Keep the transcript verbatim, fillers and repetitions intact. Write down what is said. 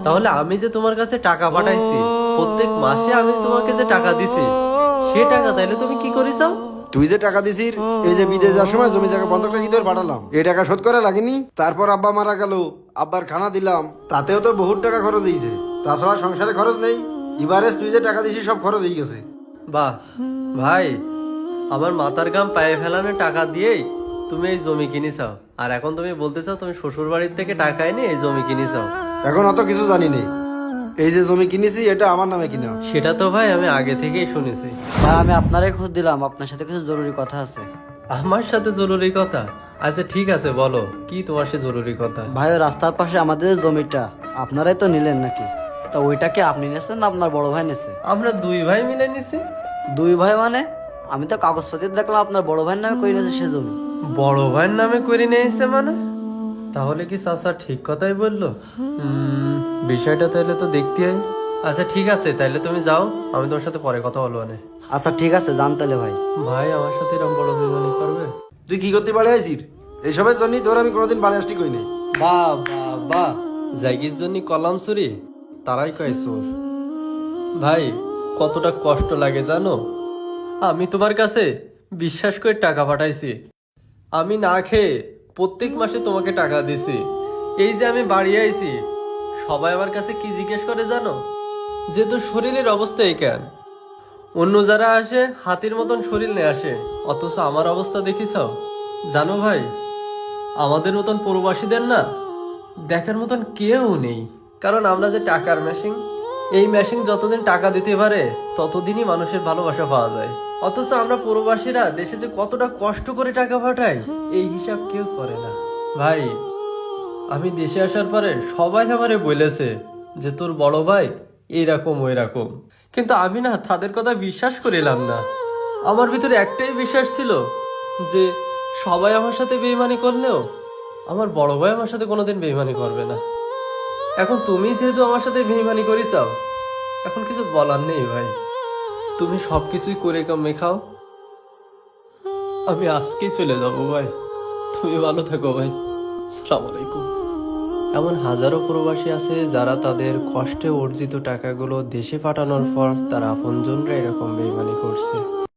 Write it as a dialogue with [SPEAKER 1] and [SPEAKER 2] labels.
[SPEAKER 1] তাহলে আমি যে তোমার কাছে টাকা পাঠাইছি, প্রত্যেক মাসে আমি তোমাকে যে টাকা দিছি, সে টাকা তাইলে তুমি কি করিস?
[SPEAKER 2] তুই যে টাকা দিছিস, এই যে বিদেশ যাওয়ার সময় জমি জায়গা বন্ধক রেখে তোর পাঠালাম, এই টাকা শোধ করা লাগেনি? তারপর আব্বা মারা গেল, আব্বার খানা দিলাম, তাতেও তো বহুত টাকা খরচ হয়েছে। তাছাড়া সংসারে খরচ নেই। এবারে তুই যে টাকা দিছিস সব খরচ হয়ে গেছে।
[SPEAKER 1] বাহ ভাই, আমার মাথার গাম পায়ে ফেলানো টাকা দিয়েই তুমি এই জমি কিনে চাও, আর এখন তুমি বলতে চাও তুমি শ্বশুর বাড়ির থেকে টাকা এনে এই জমি কিনে চাও।
[SPEAKER 2] এখন অত কিছু জানি নেই। এই যে জমি কিনেছি এটা আমার নামে কিনা।
[SPEAKER 1] সেটা তো ভাই আমি আগে থেকেই শুনেছি।
[SPEAKER 3] ভাই আমি আপনারই খোঁজ দিলাম, আপনার সাথে কিছু জরুরি কথা আছে।
[SPEAKER 1] আমার সাথে জরুরি কথা? আচ্ছা ঠিক আছে, বলো কি তোমার সে জরুরি কথা।
[SPEAKER 3] ভাই ওই রাস্তার পাশে আমাদের যে জমিটা আপনারাই তো নিলেন নাকি? তা ওইটা কি আপনি নিয়েছেন না আপনার বড় ভাই নিয়েছে?
[SPEAKER 1] আমরা দুই ভাই মিলে নিছি।
[SPEAKER 3] দুই ভাই মানে? আমি তো কাগজপত্র দেখলাম আপনার বড় ভাইয়ের নামে করে নিয়েছে সে জমি।
[SPEAKER 1] বড় ভাইয়ের নামে করে নিয়েছে মানে? তাহলে কি চাচা ঠিক কথাই বললো? হুম, বিষয়টা তাহলে তো দেখতে হয়। আচ্ছা ঠিক আছে, তাহলে তুমি যাও, আমি তোমার সাথে পরে কথা বলবো না।
[SPEAKER 3] আচ্ছা ঠিক আছে, যান তাহলে ভাই।
[SPEAKER 1] ভাই আমার সাথে এরকম বড় বেমানি করবে?
[SPEAKER 2] তুই কি করতে পারে আইসির? এইসবের জন্যই তোর আমি কোনোদিন বাড়ি আসতে কই নাই।
[SPEAKER 1] বা বা বা জায়গির জন্য কলাম চুরি, তারাই কয় চোর। ভাই কতটা কষ্ট লাগে জানো? আমি তোমার কাছে বিশ্বাস করে টাকা পাঠাইছি, আমি না খেয়ে প্রত্যেক মাসে তোমাকে টাকা দিছি। এই যে আমি বাড়ি আইছি, সবাই আমার কাছে কি জিজ্ঞেস করে জানো? যে তোর শরীরের অবস্থা এই কেন? অন্য যারা আসে হাতির মতন শরীর নিয়ে আসে, অথচ আমার অবস্থা দেখিস? জানো ভাই, আমাদের মতন প্রবাসীদের না দেখার মতন কেউ নেই। কারণ আমরা যে টাকার মেশিন, এই মেশিন যতদিন টাকা দিতে পারে ততদিনই মানুষের ভালোবাসা পাওয়া যায়। অথচ আমরা প্রবাসীরা দেশে যে কতটা কষ্ট করে টাকা পাঠাই, এই হিসাব কেউ করে না। ভাই আমি দেশে আসার পরে সবাই আমারে বলেছে যে তোর বড় ভাই এইরকম ওই রকম, কিন্তু আমি না তাদের কথা বিশ্বাস করিলাম না। আমার ভিতরে একটাই বিশ্বাস ছিল যে সবাই আমার সাথে বেইমানি করলেও আমার বড় ভাই আমার সাথে কোনোদিন বেইমানি করবে না। এখন তুমি যেহেতু আমার সাথে বেইমানি করি চাও, এখন কিছু বলার নেই ভাই। তুমি সব কিছুই করে কামে খাও, আমি আজকেই চলে যাবো ভাই। তুমি ভালো থাকো ভাই, আসসালামু আলাইকুম। এমন হাজারো প্রবাসী আছে যারা তাদের কষ্টে অর্জিত টাকাগুলো দেশে পাঠানোর পর তার আপনজনরা এরকম বেইমানি করছে।